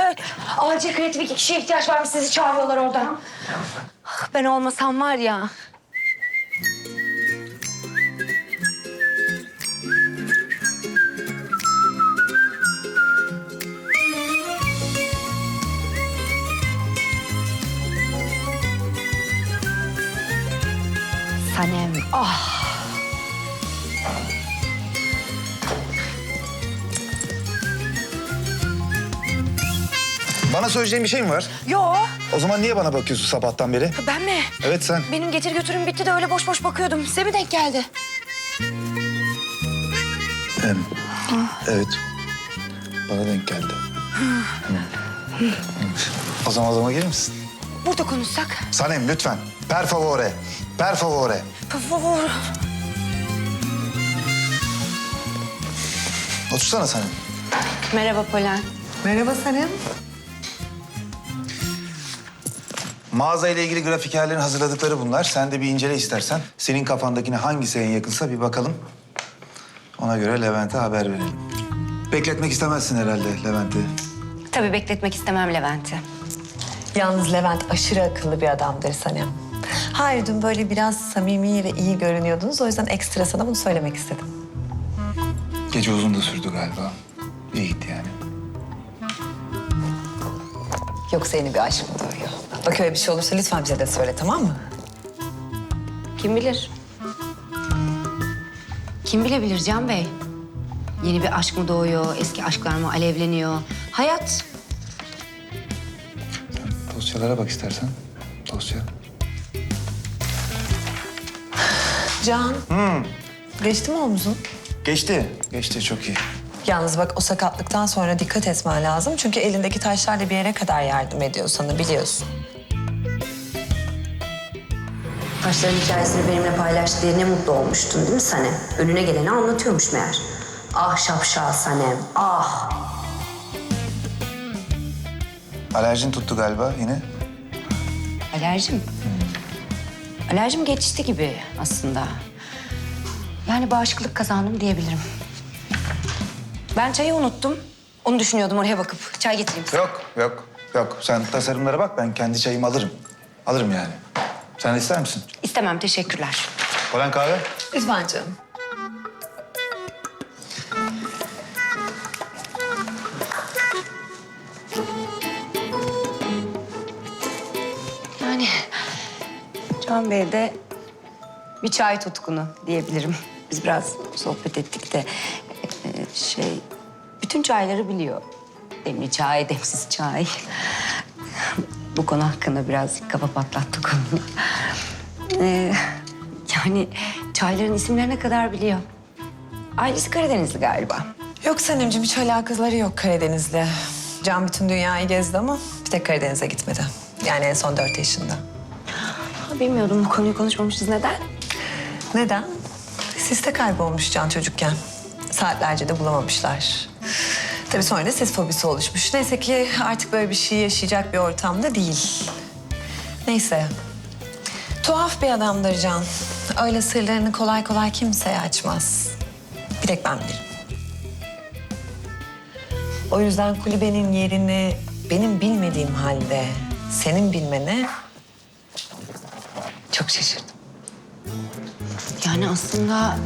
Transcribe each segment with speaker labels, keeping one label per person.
Speaker 1: Acil kreatif 2 kişiye ihtiyaç varmış. Sizi çağırıyorlar oradan. Ben olmasam var ya. Sanem, ah.
Speaker 2: Bana söyleyeceğin bir şey mi var?
Speaker 1: Yo,
Speaker 2: O zaman niye bana bakıyorsun sabahtan beri?
Speaker 1: ben mi?
Speaker 2: Evet sen.
Speaker 1: Benim getir götürüm bitti de öyle boş boş bakıyordum. Size mi denk geldi?
Speaker 2: Evet. Bana denk geldi. O zaman gelir misin?
Speaker 1: Burada konuşsak.
Speaker 2: Sanem lütfen. Per favore. Per favore.
Speaker 1: Por favor.
Speaker 2: Otursana Sanem.
Speaker 1: Merhaba Polen.
Speaker 3: Merhaba Sanem.
Speaker 2: Mağaza ile ilgili grafikerlerin hazırladıkları bunlar. Sen de bir incele istersen. Senin kafandakine hangisi en yakınsa bir bakalım. Ona göre Levent'e haber verelim. Bekletmek istemezsin herhalde Levent'i.
Speaker 1: Tabii bekletmek istemem Levent'i.
Speaker 3: Yalnız Levent aşırı akıllı bir adamdır Sanem. Hayır, dün böyle biraz samimi ve iyi görünüyordunuz. O yüzden ekstra sana bunu söylemek istedim.
Speaker 2: Gece uzun da sürdü galiba. İyi gitti yani.
Speaker 3: Yoksa yeni bir aşk mı doğuyor? Bak öyle bir şey olursa lütfen bize de söyle, tamam mı?
Speaker 1: Kim bilir? Kim bilebilir Can Bey? Yeni bir aşk mı doğuyor, eski aşklar mı alevleniyor? Hayat.
Speaker 2: Dosyalara bak istersen. Dosya.
Speaker 3: Can. Geçti mi omzun?
Speaker 2: Geçti. Geçti çok iyi.
Speaker 3: Yalnız bak o sakatlıktan sonra dikkat etmen lazım. Çünkü elindeki taşlar da bir yere kadar yardım ediyor sana, biliyorsun.
Speaker 1: Taşların hikayesini benimle paylaştı diye ne mutlu olmuştun değil mi Sanem? Önüne geleni anlatıyormuş meğer. Ah şapşal Sanem, ah.
Speaker 2: Alerjin tuttu galiba yine.
Speaker 1: Alerjim? Alerjim geçti gibi aslında. Yani bağışıklık kazandım diyebilirim. Ben çayı unuttum. Onu düşünüyordum, oraya bakıp. Çay getireyim size.
Speaker 2: Yok. Sen tasarımlara bak, ben kendi çayımı alırım. Alırım yani. Sen de ister misin?
Speaker 1: İstemem, teşekkürler.
Speaker 2: Polen kahve?
Speaker 3: Lütfen canım.
Speaker 1: Yani Can Bey de bir çay tutkunu diyebilirim. Biz biraz sohbet ettik de bütün çayları biliyor. Demli çay, demsiz çay. Bu konu hakkında biraz kafa patlattık onu. Yani çayların isimlerine kadar biliyor. Ailesi Karadenizli galiba.
Speaker 3: Yok Sanemciğim, hiç alakaları yok Karadeniz'le. Can bütün dünyayı gezdi ama bir tek Karadeniz'e gitmedi. Yani en son 4 yaşında.
Speaker 1: Ha, bilmiyordum bu konuyu konuşmamışız. Neden?
Speaker 3: Neden? Siste kaybolmuş Can çocukken. Saatlerce de bulamamışlar. Tabii sonra da sis fobisi oluşmuş. Neyse ki artık böyle bir şey yaşayacak bir ortamda değil. Neyse. Tuhaf bir adamdır Can. Öyle sırlarını kolay kolay kimseye açmaz. Bir tek ben bilirim. O yüzden kulübenin yerini benim bilmediğim halde senin bilmene çok şaşırdım.
Speaker 1: Yani aslında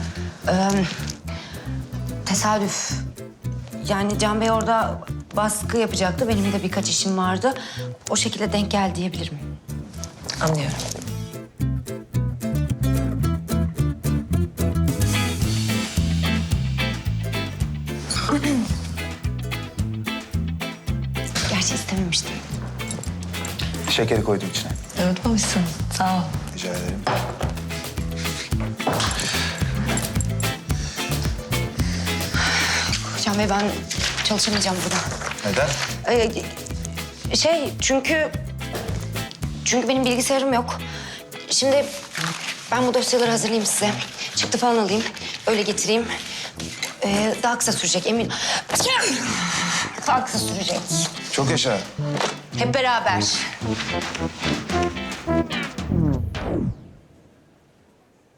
Speaker 1: tesadüf. Yani Can Bey orada baskı yapacaktı. Benim de birkaç işim vardı. O şekilde denk geldi diyebilirim.
Speaker 3: Anlıyorum.
Speaker 1: Gerçi istememiştim.
Speaker 2: Şekeri koydum içine.
Speaker 3: Unutmamışsın. Sağ ol.
Speaker 2: Rica ederim.
Speaker 1: Can Bey ben çalışamayacağım burada.
Speaker 2: Neden?
Speaker 1: Çünkü benim bilgisayarım yok. Şimdi ben bu dosyaları hazırlayayım size. Çıktı falan alayım. Öyle getireyim. Daha kısa sürecek emin. Daha kısa sürecek.
Speaker 2: Çok yaşa.
Speaker 1: Hep beraber.